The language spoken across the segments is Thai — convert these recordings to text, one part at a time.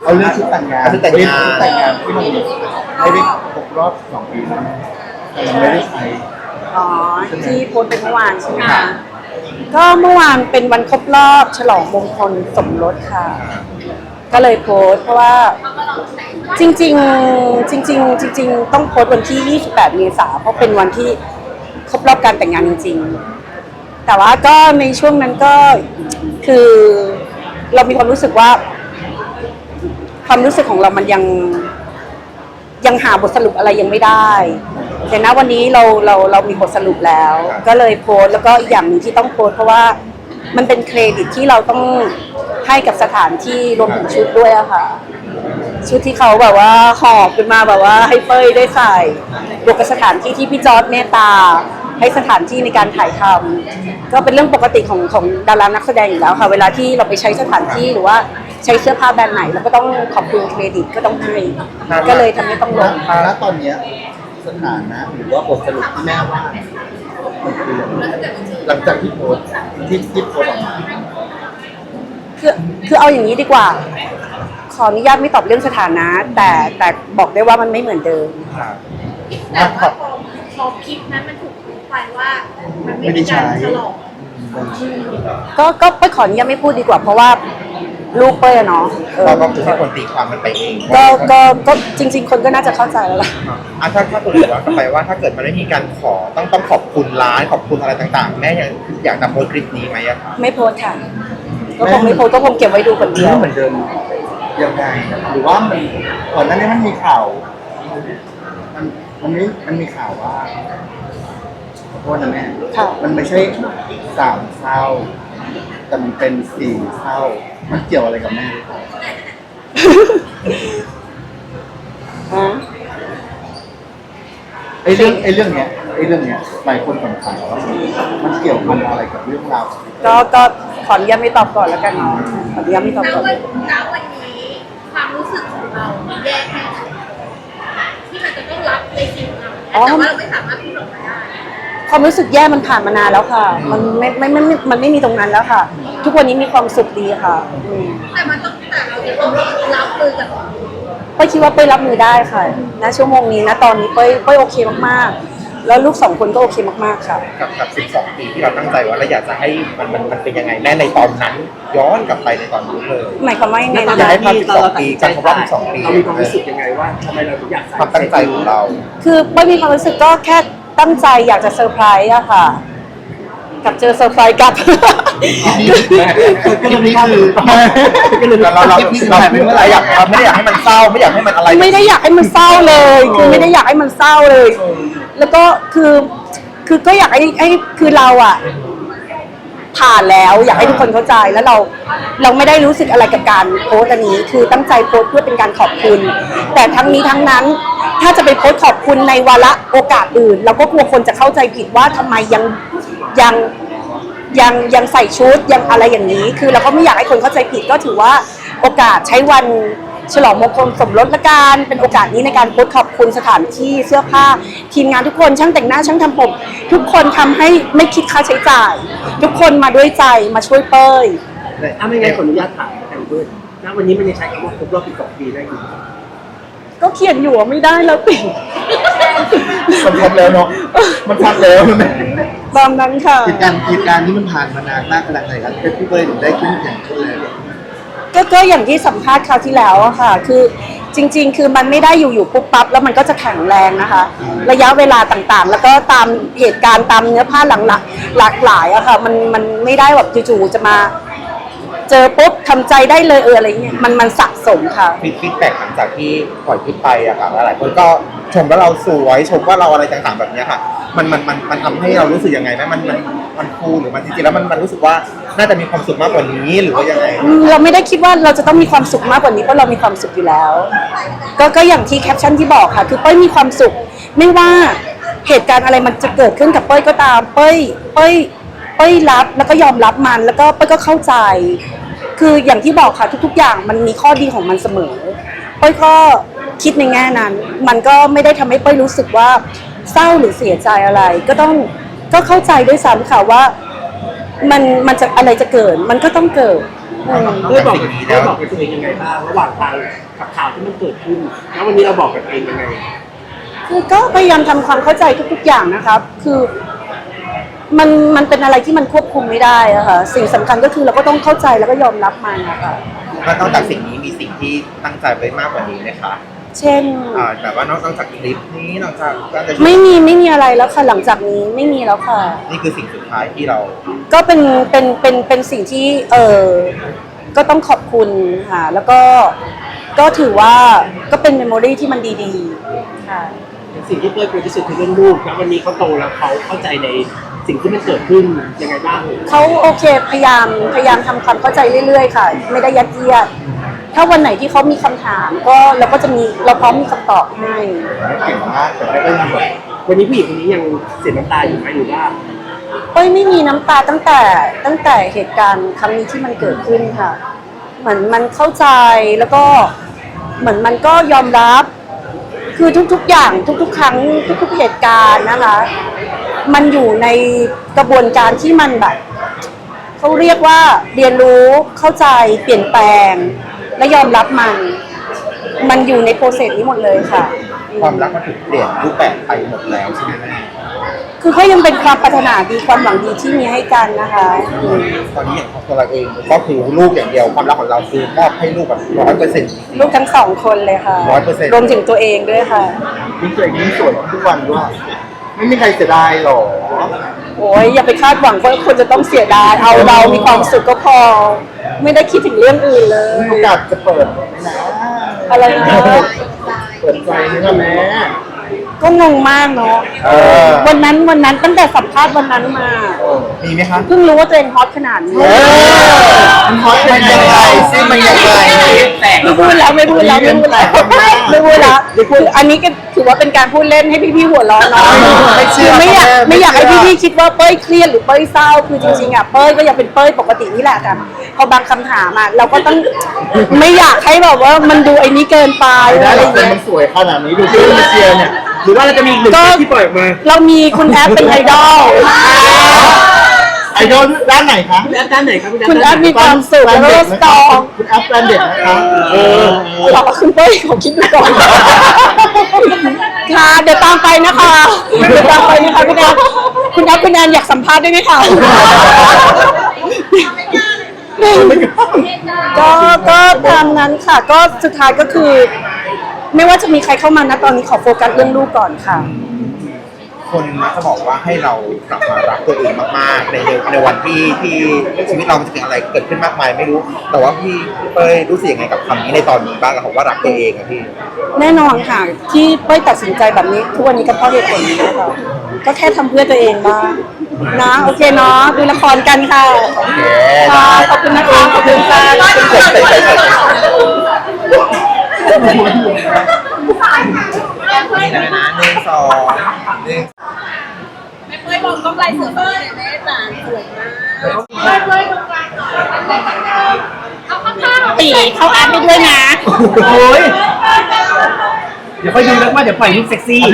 เอาเรื่องชุดแต่งงานชุดแต่งงานที่มันไม่ได้ครบรอบ2 ปีแต่มันไม่ได้ใช้อ๋อที่โพสต์เป็นเมื่อวานใช่ไหมคะก็เมื่อวานเป็นวันครบรอบฉลองมงคลสมรสค่ะก็เลยโพสต์เพราะว่าจริงๆต้องโพสต์วันที่28 เมษายนเพราะเป็นวันที่ครบรอบการแต่งงานจริงๆแต่ว่าก็ในช่วงนั้นก็คือเรามีความรู้สึกว่าความรู้สึกของเรามันยังหาบทสรุปอะไรยังไม่ได้แต่ณวันนี้เรามีบทสรุปแล้ว ก็เลยโพสต์แล้วก็อีกอย่างหนึ่งที่ต้องโพสต์เพราะว่ามันเป็นเครดิตที่เราต้องให้กับสถานที่รวมถึงชุดด้วยอะค่ะชุดที่เขาแบบว่าหอบขึ้นมาแบบว่าให้เป้ยได้ใส่บวกกับสถานที่ที่พี่จอร์จเมตตาให้สถานที่ในการถ่ายทำก็เป็นเรื่องปกติของดารานักแสดงอยู่แล้วค่ะเวลาที่เราไปใช้สถานที่หรือว่าใช้เสื้อผ้าแบรนด์ไหนเราก็ต้องขอบคุณเครดิตก็ต้องให้ก็เลยทำให้ต้องลงณตอนนี้สถานะหรือว่าบทสรุปที่แม่ว่ามันคือหลังจากที่โพสต์ที่โพสต์ออกมาคือเอาอย่างนี้ดีกว่าขออนุญาตไม่ตอบเรื่องสถานะแต่บอกได้ว่ามันไม่เหมือนเดิมแต่ว่าพอคลิปนั้นมันถูกพูดไปว่ามันไม่มีการฉลองก็ไปขออนุญาตไม่พูดดีกว่าเพราะว่าลูกเป้ยเนาะเราก็คือให้คนตีความมันไปเองก็จริงๆคนก็น่าจะเข้าใจแล้วล่ะถ้าตัวย้อนกลับไปว่าถ้าเกิดมันไม่มีการขอต้องขอบคุณร้านขอบคุณอะไรต่างๆแม่อยากจะโพสต์คลิปนี้ไหมอะไม่โพสค่ะก็คงไม่โพสก็คงเก็บไว้ดูคนเดียวเหมือนเดิมยังไงหรือว่ามันก่อนหน้านี้มันมีข่าวมันมีข่าวว่าขอโทษนะแม่มันไม่ใช่3 เศร้าแต่มันเป็น4 เศร้ามันเกี่ยวอะไรกับแม่ไอ้เรื่องเนี้ยหลายคนสงสัยว่ามันเกี่ยวกับอะไรกับเรื่องราวก็ขออนุญาตไม่ตอบก่อนแล้วกันเนาะขออนุญาตไม่ตอบก่อนณวันนี้ความรู้สึกของเราแย่แค่ไหนที่มันจะต้องรับในสิ่งนั้นแต่ว่าเราไม่สามารถพูดออกมาได้ความรู้สึกแย่มันผ่านมานานแล้วค่ะมันไม่มีตรงนั้นแล้วค่ะทุกวันนี้มีความสุขดีค่ะแต่เราจะต้องรับมือกับเป้ยคิดว่าเป้ยรับมือได้ค่ะณชั่วโมงนี้นะตอนนี้เป้ยโอเคมากๆแล้วลูก2 คนก็โอเคมากๆค่ะกับ12 ปีที่เราตั้งใจว่าเราอยากจะให้มันเป็นยังไงแม่ในตอนนั้นย้อนกลับไปในตอนนู้นเลยหมายความว่ายังไงอยากให้ความ12 ปีการครบรอบ12 ปีเรามีความรู้สึกยังไงว่าทำไมเราถึงอยากความตั้งใจของเราคือเป้ยมีความรู้สึกก็แค่ตั้งใจอยากจะเซอร์ไพรส์อะค่ะกับเจอเซอร์ไพรส์กับก็ตรงนี้คือเราไม่ได้อยากให้มันเศร้าไม่อยากให้มันอะไรไม่ได้อยากให้มันเศร้าเลยคือไม่ได้อยากให้มันเศร้าเลยแล้วก็คือก็อยากให้คือเราอะผ่านแล้วอยากให้ทุกคนเข้าใจแล้วเราไม่ได้รู้สึกอะไรกับการโพสต์อันนี้คือตั้งใจโพสต์เพื่อเป็นการขอบคุณแต่ทั้งนี้ทั้งนั้นถ้าจะไปโพสต์ขอบคุณในวาระโอกาสอื่นเราก็กลัวคนจะเข้าใจผิดว่าทำไมยังใส่ชุดยังอะไรอย่างนี้คือเราก็ไม่อยากให้คนเข้าใจผิดก็ถือว่าโอกาสใช้วันฉลองมงคลสมรสละกันเป็นโอกาสนี้ในการโพสต์ขอบคุณสถานที่เสื้อผ้าทีมงานทุกคนช่างแต่งหน้าช่างทำผมทุกคนทำให้ไม่คิดค่าใช้จ่ายทุกคนมาด้วยใจมาช่วยเป้ยไม่งั้นขออนุญาตถามแทนเพื่อนณวันนี้มันยังใช้คำว่าครบรอบ12 ปีได้อยู่ก็เขียนอยู่ไม่ได้แล้วติมันชัดแล้วเนาะมันชัดแล้วตามนั้นค่ะเหตุการณ์นี้มันผ่านมานานมากขนาดไหนครับพี่เป้ยถึงได้ขึ้นอย่างขึ้นเลยก็อย่างที่สัมภาษณ์คราวที่แล้วอะค่ะคือจริงๆคือมันไม่ได้อยู่ปุ๊บปั๊บแล้วมันก็จะแข็งแรงนะคะระยะเวลาต่างๆแล้วก็ตามเหตุการณ์ตามเนื้อผ้าหลากหลายอะค่ะมันไม่ได้แบบจู่ๆจะมาเจอปุ๊บทำใจได้เลยอะไรเงี้ยมันสะสมค่ะฟีดแบ็กหลังจากที่ปล่อยคลิปไปอะค่ะหลายคนก็ชมว่าเราสวยชมว่าเราอะไรต่างๆแบบนี้ค่ะมันทำให้เรารู้สึกยังไงไหมมันฟูหรือมันจริงๆแล้วมันรู้สึกว่าน่าจะมีความสุขมากกว่านี้หรือว่ายังไงเราไม่ได้คิดว่าเราจะต้องมีความสุขมากกว่านี้เพราะเรามีความสุขอยู่แล้วก็อย่างที่แคปชั่นที่บอกค่ะคือเป้ยมีความสุขไม่ว่าเหตุการณ์อะไรมันจะเกิดขึ้นกับเป้ยก็ตามเป้ยรับแล้วก็ยอมรับมันแล้วก็เป้ยก็เข้าใจคืออย่างที่บอกค่ะทุกๆอย่างมันมีข้อดีของมันเสมอเป้ยก็คิดในแง่นั้นมันก็ไม่ได้ทำให้เป้ยรู้สึกว่าเศร้าหรือเสียใจอะไรก็เข้าใจด้วยซ้ำค่ะว่ามันจะอะไรจะเกิดมันก็ต้องเกิดอืมได้บอกกับตัวเองยังไงบ้างระหว่างทางกับข่าวที่มันเกิดขึ้นแล้ววันนี้เราบอกกับตัวเองยังไงคือก็พยายามทำความเข้าใจทุกๆอย่างนะครับ คือมันเป็นอะไรที่มันควบคุมไม่ได้อะค่ะสิ่งสำคัญก็คือเราก็ต้องเข้าใจแล้วก็ยอมรับมันนะคะแล้วนอกจากสิ่งนี้มีสิ่งที่ตั้งใจไว้มากกว่านี้ไหมคะเช่นแบบว่านอกจากคลิปนี้นอกจากการจะไม่มีอะไรแล้วค่ะหลังจากนี้ไม่มีแล้วค่ะนี่คือสิ่งสุดท้ายที่เราก็เป็นสิ่งที่ก็ต้องขอบคุณค่ะแล้วก็ถือว่าก็เป็นเมมโมรีที่มันดีๆค่ะสิ่งที่เต้ยกลัวที่สุดคือเรื่องลูกแล้ววันนี้เขาโตแล้วเขาเข้าใจในสิ่งที่มันเกิดขึ้นยังไงบ้างเขาโอเคพยายามทำความเข้าใจเรื่อยๆค่ะ ไม่ได้ยัดเยียดถ้าวันไหนที่เขามีคำถามก็เราก็จะมีเราพร้อมมีคำตอบให้เก่งมากแต่ไม่ได้ยินหมดวันนี้ผู้หญิงคนนี้ยังเสียน้ำตาอยู่ไหมหรือว่าเอ้ยไม่มีน้ำตาตั้งแต่เหตุการณ์ครั้งนี้ที่มันเกิดขึ้นค่ะ เหมือนมันเข้าใจแล้วก็เหมือนมันก็ยอมรับ คือทุกๆอย่างทุกๆครั้งทุกๆเหตุการณ์นะคะ มันอยู่ในกระบวนการที่มันแบบเขาเรียกว่าเรียนรู้เข้าใจเปลี่ยนแปลง และยอมรับมันอยู่ในโปรเซสนี้หมดเลยค่ะความรักมันถูกเปลี่ยนรูปแบบไปหมดแล้วใช่ไหมแม่คือก็ยังเป็นความปรารถนาดีความหวังดีที่มีให้กันนะคะอืมตอนนี้อย่างของตัวเราเองก็คือลูกอย่างเดียวความรักของเราคือมอบให้ลูกแบบ100% ลูกทั้งสองคนเลยค่ะ 100% รวมถึงตัวเองด้วยค่ะยิ่งตัวเองยิ่งสวยทุกวันด้วยไม่มีใครเสียดายหรอโอ้ยอย่าไปคาดหวังว่าคนจะต้องเสียดายเอาเรามีความสุขก็พอ ไม่ได้คิดถึงเรื่องอื่นเลยมีโอกาสจะเปิดนะอะไรนะเปิดใจนี่นะแม่ก็งงมากเนาะเออวันนั้นตั้งแต่สัมภาษณ์วันนั้นมามีไหมคะเพิ่งรู้ว่าตัวเองฮอตขนาดนี้มันฮอตมันยังไงซิมันยังไงไม่พูดแล้วไม่พูดแล้วคืออันนี้ก็ถือว่าเป็นการพูดเล่นให้พี่ๆหัวเราะเนาะคือไม่อยากให้พี่ๆคิดว่าเป้ยเครียดหรือเป้ยเศร้าคือจริงๆอ่ะเป้ยก็ยังเป็นเป้ยปกตินี่แหละแต่พอบางคำถามอ่ะเราก็ต้องไม่อยากให้แบบว่ามันดูไอ้นี้เกินไปได้อะไรหรออกย่างแต่เงี้ยมันสวยขนาดนี้ดูที่มาเชียร์เนี่ยหรือว่าเราจะมีอีกหนึ่งคลิปที่ปล่อยออกมาเรามีคุณแอปเป็นไอดอลไอดอลด้านไหนคะคุณแอปด้านไหนครับคุณแอปมีความสุขแล้วก็สตรองคุณแอปแบรนด์เด็ดนะคะหรอคุณเป้ยขอคิดดูก่อนค่ะเดี๋ยวตามไปนะคะคุณแอปอยากสัมภาษณ์ได้ไหมคะก็ตามนั้นค่ะ ก็สุดท้ายก็คือ ไม่ว่าจะมีใครเข้ามานะตอนนี้ขอโฟกัสเรื่องลูกก่อนค่ะคนมักจะบอกว่าให้เรากลับมารักตัวเองมากๆในวันที่ชีวิตเรามันจะเกิดอะไรเกิดขึ้นมากมายไม่รู้ แต่ว่าพี่เป้ยรู้สึกยังไงกับคำนี้ในตอนนี้บ้างกับผมว่ารักตัวเองอะพี่แน่นอนค่ะ ที่เป้ยตัดสินใจแบบนี้ทุกวันนี้ก็เพราะเหตุผลนี้นะคะก็แค่ทำเพื่อตัวเองบ้างนะโอเคเนาะดูละครกันค่ะโอเคค่ะขอบคุณนะคะขอบคุณค่ะนี่เลยนะ1 2 1 ไม่เคยบอกกำไรเสือเบอร์เนี่ยแม่จ๋าสวยมากเลยตรงกลางเอาข้างๆตีเขาแอปไปด้วยนะโอ้ยเดี๋ยวค่อยดูแล้วว่าเดี๋ยวปล่อยรูปเซ็กซี่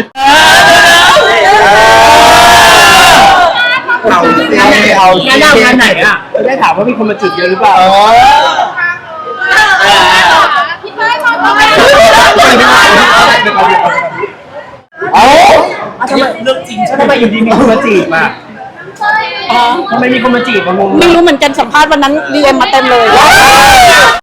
เอาสิเอาสิงานไหนอ่ะจะได้ถามว่ามีคนมาจีบเยอะหรือเปล่าพี่เต้ยมองตรงไหนเอาเรื่องจริงใช่ไหมทำไมอยู่ดีมีคนมาจีบอ่ะทำไมมีคนมาจีบมางงไม่รู้เหมือนกันสัมภาษณ์วันนั้นดีเอ็มมาเต็มเลย